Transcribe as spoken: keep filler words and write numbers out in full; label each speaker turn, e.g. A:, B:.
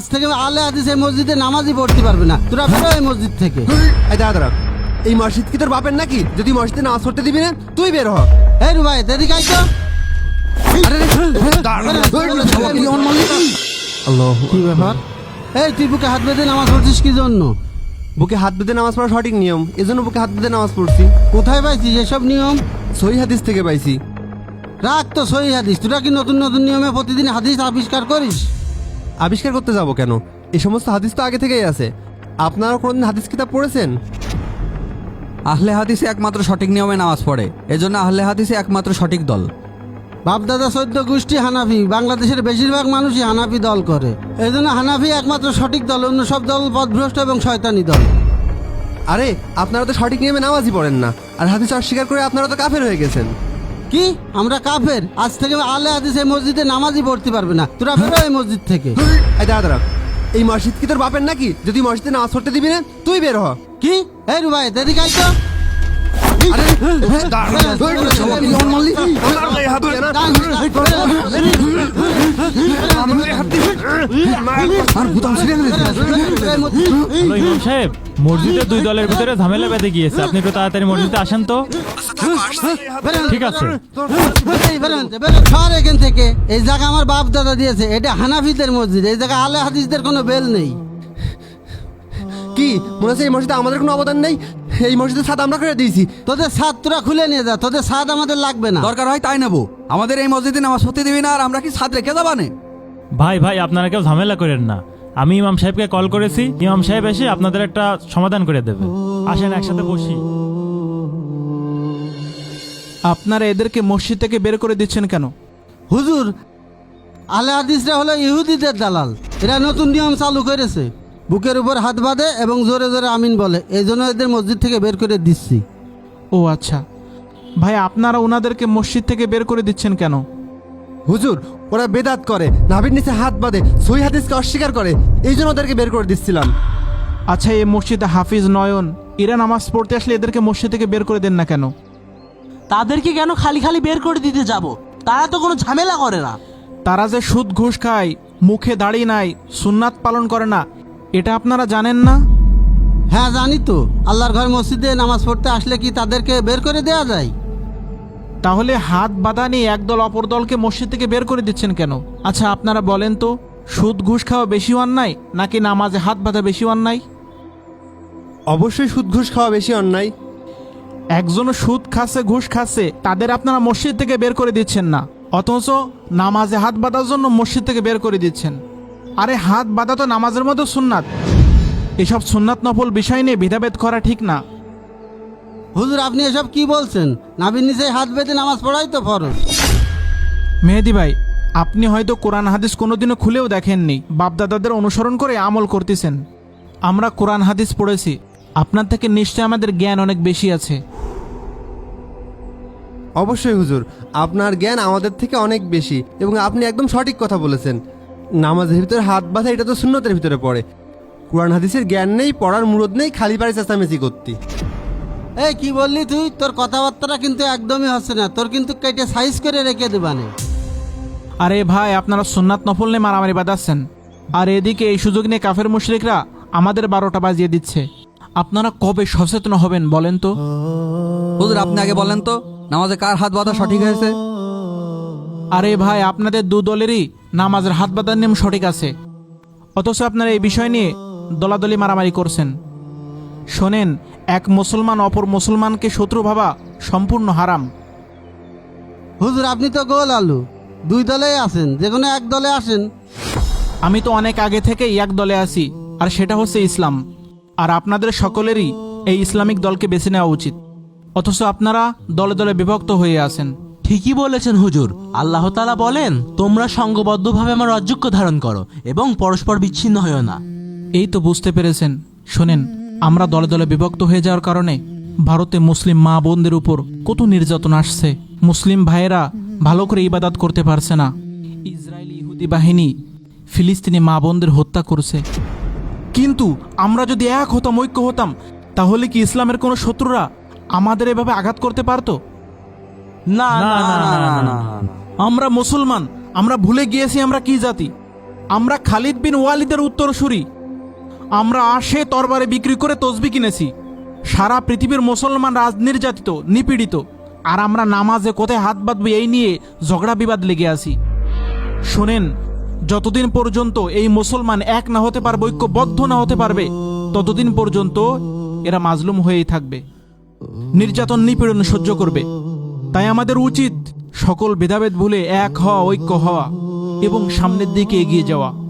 A: থেকে আলে হাদিস এই মসজিদে নামাজই পড়তে পারবে না। তোরা বেরো এই মসজিদ থেকে।
B: এই দাঁড়া দাঁড়া, এই মসজিদ কি তোর বাপের নাকি? যদি মসজিদে নামাজ পড়তে দিবি না তুই বের হ।
A: এই রুবাই এদিকে আয় তো।
B: আল্লাহ,
A: কি ব্যাপার? এই তুই বুকে হাত বেঁধে নামাজ পড়ছিস কি জন্য?
B: বুকে হাত বেঁধে নামাজ পড়া সঠিক নিয়ম, এজন্য বুকে হাত বেঁধে নামাজ পড়ছি।
A: কোথায় পাইছিস এসব নিয়ম?
B: সহিহ হাদিস থেকে পাইছি।
A: রাখ তো সহি হাদিস। তোরা কি নতুন নতুন নিয়মে প্রতিদিন হাদিস আবিষ্কার করিস?
B: আবিষ্কার করতে যাব কেন? এই সমস্ত হাদিস তো আগে থেকেই আছে। আপনারা কোনদিন হাদিস কিতাব পড়েছেন?
C: আহলে হাদিসে একমাত্র সঠিক নিয়মে নামাজ পড়ে, এজন্য আহলে হাদিসে একমাত্র সঠিক দল।
A: বাপদাদা চোদ্দ গোষ্ঠী হানাফি, বাংলাদেশের বেশিরভাগ মানুষই হানাফি দল করে। এই জন্য হানাফি একমাত্র সঠিক দল, অন্য সব দল পথভ্রষ্ট এবং শয়তানি দল।
B: আরে আপনারা তো সঠিক নিয়মে নামাজই পড়েন না, আর হাদিস অস্বীকার করে আপনারা তো কাফের হয়ে গেছেন।
A: কি আমরা কাফের? আজ থেকে আলে হাদিস এই মসজিদে নামাজই পড়তে পারবে না। তোরা বেরো এই মসজিদ থেকে।
B: এই দাঁড়া দাঁড়া, এই মসজিদ কি তোর বাপের নাকি? যদি মসজিদে নামাজ পড়তে দিবি না তুই বের হ।
A: কি? এই রুবাই এদিকে আয় তো।
D: ইমাম সাহেব, মসজিদে দুই দলের ভিতরে ঝামেলা বেঁধে গিয়েছে, আপনি একটু তাড়াতাড়ি মসজিদে আসেন তো। ঠিক আছে।
A: সর এখান থেকে। এই জায়গা আমার বাপ দাদা দিয়েছে, এটা হানাফিদের মসজিদ। এই জায়গা আলে হাদিসদের কোনো বেল নেই।
B: কি মনে হচ্ছে এই মসজিদে আমাদের কোনো অবদান নেই? এই মসজিদের ছাদ আমরা করে দিয়েছি।
A: তোদের ছাদ তোরা খুলে নিয়ে যা, তোদের ছাদ আমাদের লাগবে না।
C: দরকার হয় তাই নেবো, আমাদের এই মসজিদে নামাজ পড়তে দিবি না, আর আমরা কি ছাদ রেখে যাবানে?
D: ভাই ভাই আপনারা কেউ ঝামেলা করেন না, আমি ইমাম সাহেবকে কল করেছি, ইমাম সাহেব এসে আপনাদের একটা সমাধান করে দেবে। আসেন একসাথে বসি।
E: আপনারা এদেরকে মসজিদ থেকে বের করে দিচ্ছেন কেন?
A: হুজুর, আলে হাদিসরা হলো ইহুদিদের দালাল। এরা নতুন নিয়ম চালু করেছে, বুকের উপর হাত বাঁধে এবং জোরে জোরে আমিন বলে। এই জন্য এদের মসজিদ থেকে বের করে দিচ্ছি।
E: ও আচ্ছা ভাই, আপনারা ওনাদেরকে মসজিদ থেকে বের করে দিচ্ছেন কেন?
B: হুজুর, ওরা বেদাত করে, নাভির নিচে হাত বাঁধে, সহিহ হাদিসকে অস্বীকার করে, এই জন্য ওদেরকে বের করে দিচ্ছিলাম।
E: আচ্ছা, এই মসজিদে হাফিজ নয়ন এরা নামাজ পড়তে আসলে এদেরকে মসজিদ থেকে বের করে দেন না কেন?
F: তাদেরকে কেন খালি খালি বের করে দিতে যাব? তারা তো কোনো ঝামেলা করে না।
E: তারা যে সুদ ঘুষ খায়, মুখে দাড়ি নাই, সুন্নাত পালন করে না, এটা আপনারা জানেন না?
A: হ্যাঁ জানি তো। আল্লাহর ঘর মসজিদে নামাজ পড়তে আসলে কি তাদেরকে বের করে দেওয়া যায়?
E: তাহলে হাত বাঁধা নিয়ে একদল অপর দলকে মসজিদ থেকে বের করে দিচ্ছেন কেন? আচ্ছা আপনারা বলেন তো, সুদ ঘুষ খাওয়া বেশি অন্যায় নাকি নামাজে হাত বাঁধা বেশি অন্যায়?
B: অবশ্যই সুদ ঘুষ খাওয়া বেশি অন্যায়।
E: একজনও সুদ খাচ্ছে, ঘুষ খাচ্ছে, তাদের আপনারা মসজিদ থেকে বের করে দিচ্ছেন না, অথচ নামাজে হাত বাঁধার জন্য মসজিদ থেকে বের করে দিচ্ছেন। আরে হাত বাঁধা তো নামাজের মতো সুন্নাত। এসব সুন্নাত নফল বিষয় নিয়ে ভেদাভেদ করা ঠিক না।
A: হুজুর, আপনি এসব কি বলছেন? নাভির নিচে হাত বেঁধে নামাজ পড়াই তো ফরজ।
E: মেহেদি ভাই, আপনি হয়তো কোরআন হাদিস কোনোদিনও খুলেও দেখেননি, বাপদাদাদের অনুসরণ করে আমল করতেছেন। আমরা কোরআন হাদিস পড়েছি, আপনার থেকে নিশ্চয় আমাদের জ্ঞান অনেক বেশি আছে।
B: অবশ্যই হুজুর, আপনার জ্ঞান আমাদের থেকে অনেক বেশি এবং আপনি একদম সঠিক কথা বলেছেন। নামাজের ভিতরে হাত বাঁধা এটা তো সুন্নতের ভিতরে পড়ে। কোরআন হাদিসের জ্ঞান নেই, পড়ার মুরদ নেই, খালি পারে চেঁচামেচি করতি।
A: এই কি বললি তুই? তোর কথাবার্তাটা কিন্তু একদমই হচ্ছে না। তোর কিন্তু কেটে সাইজ করে রেখে দেবানে।
E: আরে ভাই, আপনারা সুন্নাত নফল নিয়ে মারামারি বাঁধাচ্ছেন, আর এদিকে এই সুযোগ নিয়ে কাফের মুশরিকরা আমাদের বারোটা বাজিয়ে দিচ্ছে। আপনারা কবে সচেতন হবেন বলেন তো?
C: হুজুর আপনি আগে বলেন তো, নামাজে কার হাত বাঁধা সঠিক হয়েছে?
E: আরে ভাই, আপনাদের দু দলেরই নামাজের হাত বাঁধার নিয়ম সঠিক আছে, অথচ আপনারা এই বিষয় নিয়ে দলাদলি মারামারি করছেন। শোনেন, এক মুসলমান অপর মুসলমানকে শত্রু ভাবা সম্পূর্ণ হারাম।
A: হুজুর, আপনি তো গোল আলু, দুই দলেই আছেন, যে কোনো এক দলে আসেন।
E: আমি তো অনেক আগে থেকেই এক দলে আছি, আর সেটা হচ্ছে ইসলাম। আর আপনাদের সকলেরই এই ইসলামিক দলকে বেছে নেওয়া উচিত, অথচ আপনারা দলে দলে বিভক্ত হয়ে আছেন।
F: ঠিকই বলেছেন হুজুর। আল্লাহ তাআলা বলেন, তোমরা সংঘবদ্ধভাবে আমার রাজ্যক্য ধারণ করো এবং পরস্পর বিচ্ছিন্ন হয়েও না।
E: এই তো বুঝতে পেরেছেন। শোনেন, আমরা দলে দলে বিভক্ত হয়ে যাওয়ার কারণে ভারতে মুসলিম মা বোনদের উপর কত নির্যাতন আসছে। মুসলিম ভাইয়েরা ভালো করে ইবাদত করতে পারছে না। ইসরায়েলি ইহুদি বাহিনী ফিলিস্তিনি মা বোনদের হত্যা করছে। কিন্তু আমরা যদি এক হতাম, ঐক্য হতাম, তাহলে কি ইসলামের কোনো শত্রুরা আমাদের এভাবে আঘাত করতে পারতো?
F: না না না না না।
E: আমরা মুসলমান, আমরা ভুলে গিয়েছি আমরা কি জাতি। আমরা খালিদ বিন ওয়ালিদের উত্তরসূরি। আমরা আসে তরবারে বিক্রি করে তসবি কিনেছি। সারা পৃথিবীর মুসলমান রাজ নির্যাতিত, নিপীড়িত, আর আমরা নামাজে কোথায় হাত বাঁধবো এই নিয়ে ঝগড়া বিবাদ লেগে আছি। শোনেন, যতদিন পর্যন্ত এই মুসলমান এক না হতে পারবে, ঐক্যবদ্ধ না হতে পারবে, ততদিন পর্যন্ত এরা মাজলুম হয়েই থাকবে, নির্যাতন নিপীড়ন সহ্য করবে। তাই আমাদের উচিত সকল ভেদাভেদ ভুলে এক হওয়া, ঐক্য হওয়া এবং সামনের দিকে এগিয়ে যাওয়া।